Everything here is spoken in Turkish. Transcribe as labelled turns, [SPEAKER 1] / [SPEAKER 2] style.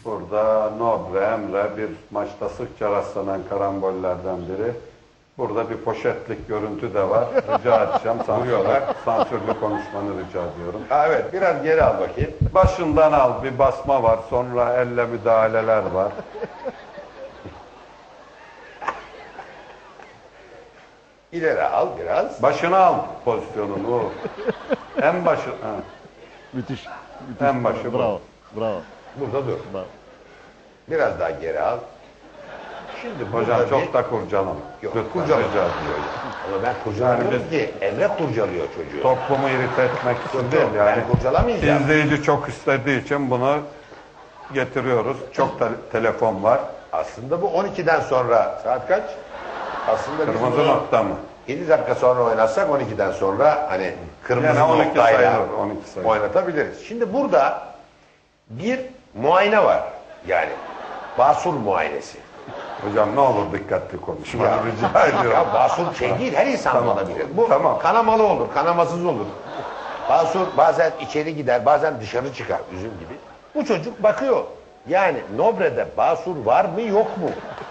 [SPEAKER 1] Burada Nobre, Emre bir maçta sıkça rastlanan karambollerden biri. Burada bir poşetlik görüntü de var. Rica edeceğim. Sansürlü konuşmanı rica ediyorum.
[SPEAKER 2] Ha, evet, biraz geri al bakayım.
[SPEAKER 1] Başından al. Bir basma var. Sonra elle müdahaleler var.
[SPEAKER 2] İleri al biraz.
[SPEAKER 1] Başına al pozisyonunu. O. En başı. Ha.
[SPEAKER 3] Müthiş.
[SPEAKER 1] En başı bu.
[SPEAKER 3] Bravo. Bravo.
[SPEAKER 2] Burada dur.
[SPEAKER 3] Bravo.
[SPEAKER 2] Biraz daha geri al. Şimdi
[SPEAKER 1] Hocam
[SPEAKER 2] burada
[SPEAKER 1] çok da kurcalama.
[SPEAKER 2] Yok,
[SPEAKER 1] Lütfen,
[SPEAKER 2] kurcalama.
[SPEAKER 1] rica ediyorum.
[SPEAKER 2] Ama ben kurcalamıyorum
[SPEAKER 1] Yani
[SPEAKER 2] ki. Emre kurcalıyor çocuğu.
[SPEAKER 1] Toplumu irite etmek için değil yani.
[SPEAKER 2] Ben kurcalamayacağım.
[SPEAKER 1] İzleyici çok istediği için bunu getiriyoruz. Çok da telefon var.
[SPEAKER 2] Aslında bu 12'den sonra. Saat kaç? Aslında biz
[SPEAKER 1] Kırmızı
[SPEAKER 2] bunu
[SPEAKER 1] nokta mı?
[SPEAKER 2] 7 dakika sonra oynatsak 12'den sonra hani kırmızı
[SPEAKER 1] Yani 12
[SPEAKER 2] noktayla
[SPEAKER 1] sayılır, 12 sayılır.
[SPEAKER 2] oynatabiliriz. Şimdi burada bir muayene var. Yani basur muayenesi.
[SPEAKER 1] Hocam ne olur dikkatli konuşma.
[SPEAKER 2] Ya,
[SPEAKER 1] Rica ediyorum.
[SPEAKER 2] ya basur şey değil, her insan
[SPEAKER 1] Tamam.
[SPEAKER 2] olabilir. Bu
[SPEAKER 1] Tamam.
[SPEAKER 2] kanamalı olur, kanamasız olur. Basur bazen içeri gider, bazen dışarı çıkar, üzüm gibi. Bu çocuk bakıyor. Yani Nobre'de basur var mı yok mu?